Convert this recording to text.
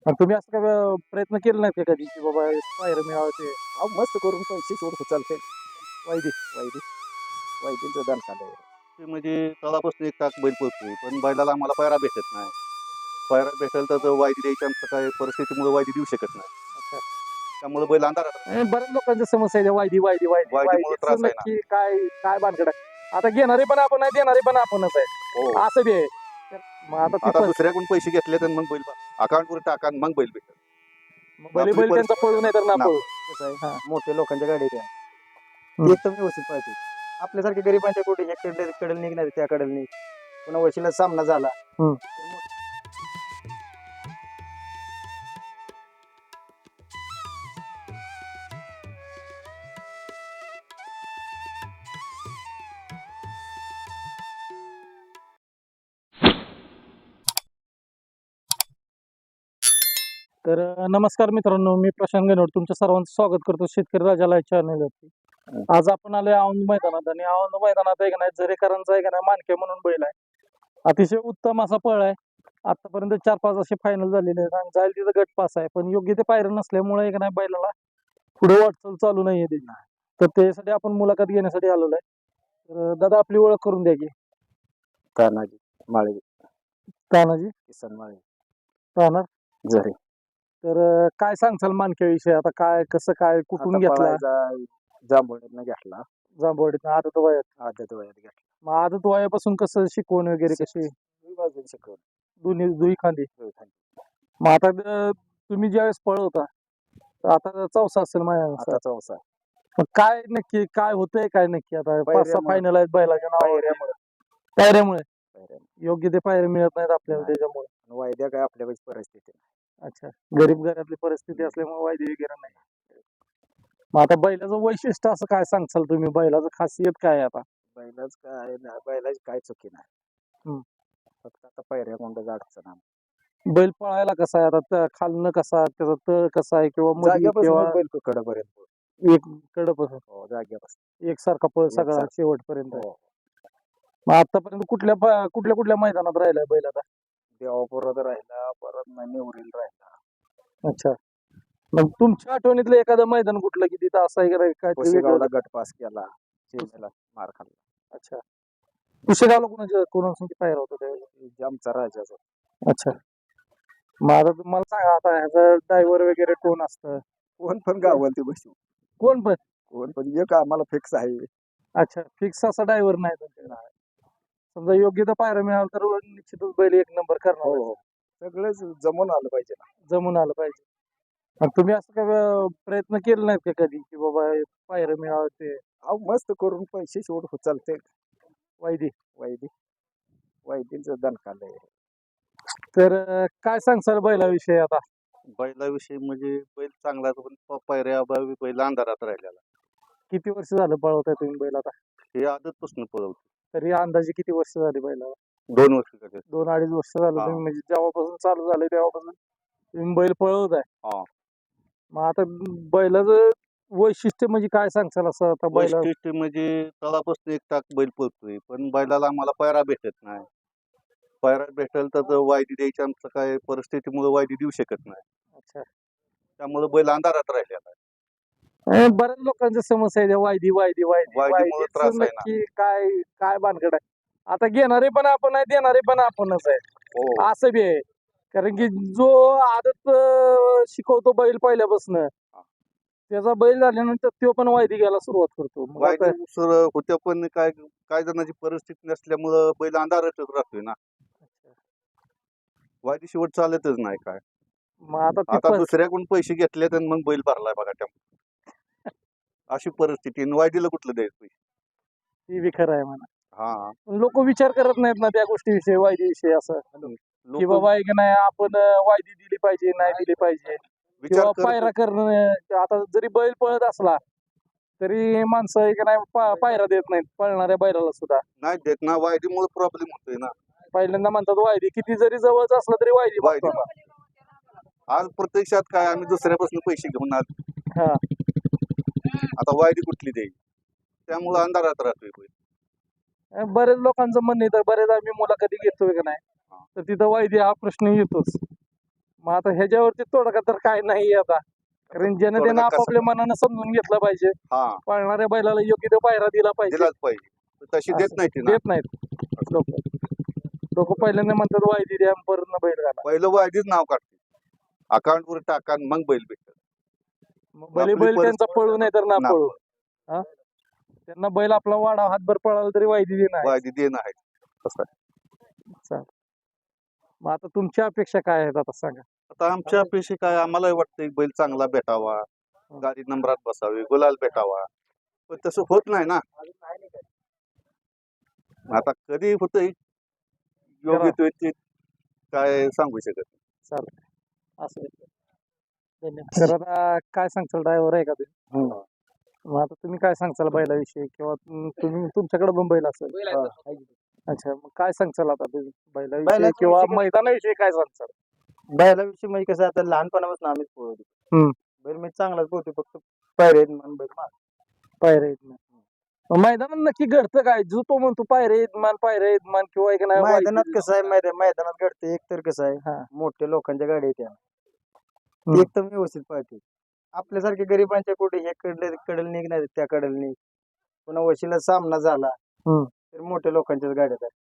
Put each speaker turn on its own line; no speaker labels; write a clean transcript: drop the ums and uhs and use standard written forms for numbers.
आणि तुम्ही असं काय प्रयत्न केले नाहीत का कधी की बाबा पायरं मिळावं ते
अहो मस्त करून पैसे सोडतो चालते
वायदी
वायदी वायदीचं दान खाल्लंय.
ते म्हणजे तळापासून एक टाक बैल पळतोय पण बैलाला आम्हाला पायरा भेटत नाही. पायरा भेटेल तर तो वायदी द्यायची आमचं काय परिस्थितीमुळे वायदी देऊ शकत नाही.
अच्छा
त्यामुळे बैल अंधारात राहतो.
आणि बऱ्याच लोकांच्या समस्या आहे त्या वायदी वायदी वायदी
वायदीमुळे
वायदीच
त्रास आहे ना.
नक्की काय काय भानगड आहे आता घेणारे पण आपण आहे देणारे पण आपणच आहे
हो.
असं बी आहे तर मग आता ती
आता दुसऱ्याकडून पैसे घेतले तर मग बैल अकाउंटवर टाका आणि मग बैल भेटेल.
बैल
आपली
बैल त्यांचा
परिस्थिती
पळू नाही तर ना
ना
पळू
कसं आहे
हा.
मोठ्या लोकांच्या गाडी द्या
हम्म.
एकदम व्यवस्थित पाहिजे. आपल्यासारख्या गरिबांच्या कुठे कडे निघणार त्याकडे निघ पुन्हा वशिला सामना झाला
हम्म.
तर मग
तर नमस्कार मित्रांनो मी प्रशांत गणवड तुमच्या सर्वांचं स्वागत करतो शेतकरी राजाला चॅनलवरती आज आपण आलोय औंध मैदानात आणि औंध मैदानात आहे का नाही झरेकरांचा आहे का नाही मानके म्हणून बैल आहे अतिशय उत्तम असा पळ आहे आतापर्यंत 4-5 असे फायनल झालेले आहेत आणि जाईल तिथं गट पास आहे पण योग्य ते पायऱ्या नसल्यामुळे आहे का नाही बैलाला पुढे वाटचाल चालू नाहीये त्याची तर त्यासाठी आपण मुलाखत घेण्यासाठी आलेलो आहे तर दादा आपली ओळख करून द्या की
तानाजी माळे
तानाजी
किसन माळे
राहणार
झरे
तर काय सांगचाल मानक्याविषयी आता काय कसं काय कुठून घेतला
जांभूळने घेतला
जांभवडीत आदत वयात
आदत वयात घेतला
मग आदत वयापासून कसं शिकवण वगैरे कशी
मी बाजून शिकवलं
दोन्ही दुई खांदी मग आता तुम्ही ज्यावेळेस पळवता तर आता चौसा असेल माझ्या
आता चौसा
मग काय नक्की काय होतंय काय नक्की आता 5-6
पायऱ्यामुळं.
फायनल आहेत बैलाच्या नावावर
पायऱ्यामुळे
पायऱ्यामुळे
पायऱ्यामुळे
योग्य ते पायऱ्या मिळत नाहीत आपल्याला
नाही.
त्याच्यामुळे
वायद्या काय आपल्याकडे परिस्थिती नाही.
अच्छा गरीब घरातली परिस्थिती असल्यामुळे वायदे वगैरे नाही मग आता बैलाचं वैशिष्ट्य असं काय सांगचाल तुम्ही बैलाचं खासियत काय आहे आता
बैलाच काय नाही बैलाची काय चुकी नाही
हम्म.
फक्त आता पायऱ्या कोणत्याच अडचण नाही.
बैल पळायला कसा आहे आता खालनं कसा त्याचा तळ कसा आहे किंवा मध्ये
जाग्यापासून
किंवा
बैल कडपर्यंत
एक कडपासून
हो जाग्यापासून
एकसारखा पळ सगळा
एकसारखा.
शेवटपर्यंत
हो
मग आतापर्यंत कुठल्या कुठल्या मैदानात राहिलाय बैल आता
देवापुरात राहिला परत नेवरील राहिला
अच्छा मग तुमच्या आठवणीतलं एखादं मैदान कुठलं की तिथं असं आहे का नाही काय ते वेगळं?
कोशेगावला गट पास केला चेन्नईला मार खाल्ला
अच्छा कुशेगावला कोणासंग पायरा होता त्यावेळेस
आमचा राजाचा
अच्छा मग आता तुम्हाला सांगा आता ह्याचं ड्रायव्हर वगैरे कोण असतं
कोण पण गावाल ते बसू
कोण पण
कोण पण एक आम्हाला फिक्स आहे
अच्छा फिक्स असा ड्रायव्हर नाही तुमच्याकडे. समजा योग्य तर पायरा मिळाला तर निश्चितच बैल एक नंबर
हो
करणार
हो सगळंच जमून आलं पाहिजे ना
जमून आलं पाहिजे आणि तुम्ही असं काय प्रयत्न केले नाहीत का कधी की बाबा पायरं मिळावं ते
अहो मस्त करून पैसे सोड चालते
वायदी
वैदी वैदींचं दण खाल्लंय
तर काय सांगसाल बैलाविषयी आता
बैलाविषयी म्हणजे बैल चांगला आहे, पण पायऱ्याअभावी बैल अंधारात राहिलेला.
किती वर्ष झालं पळवताय तुम्ही बैल आता
हे आदतपासून पळवतो.
तरी अंदाजे किती वर्ष झाली बैलाला
2 वर्ष झाले.
2-2.5 वर्ष झालं
हा.
तुम्ही म्हणजे जेव्हापासून चालू झालं तेव्हापासून तुम्ही बैल पळवताय
हा.
मग आता बैलाचं वैशिष्ट्य म्हणजे काय सांगसाल असं आता बैला
वैशिष्ट्य म्हणजे तळापासून एक टाक बैल पळतोय पण बैलाला आम्हाला पायरा भेटत नाही. पायरा भेटेल तर तो वायदी द्यायची आमचं काय परिस्थितीमुळे वायदी देऊ शकत नाही.
अच्छा
त्यामुळे बैल अंधारात राहिलेला आहे.
बऱ्याच लोकांच्या समस्या आहे त्या वायदी वायदी वायदी
वायदीमुळे
वायदीच
त्रास आहे ना.
नक्की काय काय भानगड आहे आता घेणारे पण आपण आहे देणारे पण आपणच आहे
हो.
असं बी आहे कारण की जो आदत शिकवतो बैल पहिल्यापासून त्याचा बैल झाल्यानंतर तो पण वायदी घ्यायला सुरुवात करतो मग आता
वायदी सर होत्या पण काय जणांची परिस्थिती नसल्यामुळं बैल अंधारातच राहतोय ना. वायदी शेवट चालतच नाही काय.
मग आता ती
आता दुसऱ्याकडून पैसे घेतले तर मग बैल भरलाय बघा त्या अशी परिस्थिती आणि वायदीला कुठलं द्यायचं पैसे.
ती बी खरं आहे म्हणा
हा
लोक विचार करत नाहीत ना त्या गोष्टीविषयी वायदीविषयी असं की
लोक
बाबा आहे की नाही आपण वायदी दिली पाहिजे नाही दिली पाहिजे
विचार
किंवा
करत
पायरा करणं आता जरी बैल पळत असला तरी माणसं आहे की नाही पायरा देत नाहीत पळणाऱ्या बैलाला सुद्धा
नाही देत ना. वायदीमुळे प्रॉब्लेम होतोय ना.
पहिल्यांदा म्हणतात वायदी किती जरी जवळच असलं तरी वायदी
वायदी
मागतो
आज प्रत्यक्षात काय आम्ही दुसऱ्यापासून पैसे घेऊन आलो.
हा
आता वायदी कुठली द्यायची त्यामुळे अंधारात राहतोय बैल.
बरेच लोकांचं म्हणणं आहे तर बरेच आम्ही मुलाखती घेतोय का नाही तर तिथं वायदी हा प्रश्न येतोच मग आता ह्याच्यावरती तोडगा तर काय नाही आता, कारण जनतेनं
तोडगा कसा-
आपापल्या मनानं समजून घेतलं पाहिजे.
हा
पळणाऱ्या बैलाला योग्य तो पायरा दिला पाहिजे.
दिलाच पाहिजे पण तशी देत
असं
नाही ती ना.
देत नाहीत लोक पहिल्यांदा म्हणतात वायदी द्या परत बैल घाला.
पहिलं वायदीच नाव काढते, अकाउंट वर टाका आणि मग बैल भेटत.
मग भले
आपली
बैल त्यांचा पळू नाही तर ना
ना
पळू, हा त्यांना बैल आपला वाडा हातभर पळाला तरी वायदी देणार.
वायदी देणं आहे तसं आहे.
मग आता तुमच्या अपेक्षा काय आहेत आता सांगा.
आता आमच्या अपेक्षा काय, आम्हाला वाटतं बैल चांगला भेटावा, गाडी नंबरात बसावी, गुलाल भेटावा, पण तसं होत नाही ना. आता कधी होतंय योग्य तो ते काय सांगू शकत नाही.
असं धन्यवाद. तर आता काय सांगचाल, ड्रायव्हर आहे का तुम्ही? मग आता तुम्ही काय सांगचाल बैलाविषयी, किंवा तुम्ही तुमच्याकडे पण बैल असेल? अच्छा, मग काय सांगचाल आता तुम्ही बैलाविषयी
बैलाच्या
किंवा
विषयी काय-
मैदानाविषयी काय सांगचाल?
बैलाविषयी म्हणजे कसं आता लहानपणापासून आम्हीच पोहतो.
हम्म.
बैल मी चांगलाच पोहतो, फक्त पायरे आहेत म्हणून बैल मार.
पायरे यजमान. मग मैदानात नक्की घडतं काय, जो तो म्हणतो पायरे यजमान किंवा एक नाही
मैदानात कसं आहे, मैदानात घडतं एक तर कसं
हा.
आहे, मोठ्या लोकांच्या गाड्या आहेत त्या,
हम्म.
एकदम व्यवस्थित पाहते. आपल्यासारख्या गरिबांच्या कुठे हे कडल निघणार त्या कडल निघ, पुन्हा वशिला सामना झाला
हम्म.
तर मोठ्या लोकांच्याच गाड्यात आहे.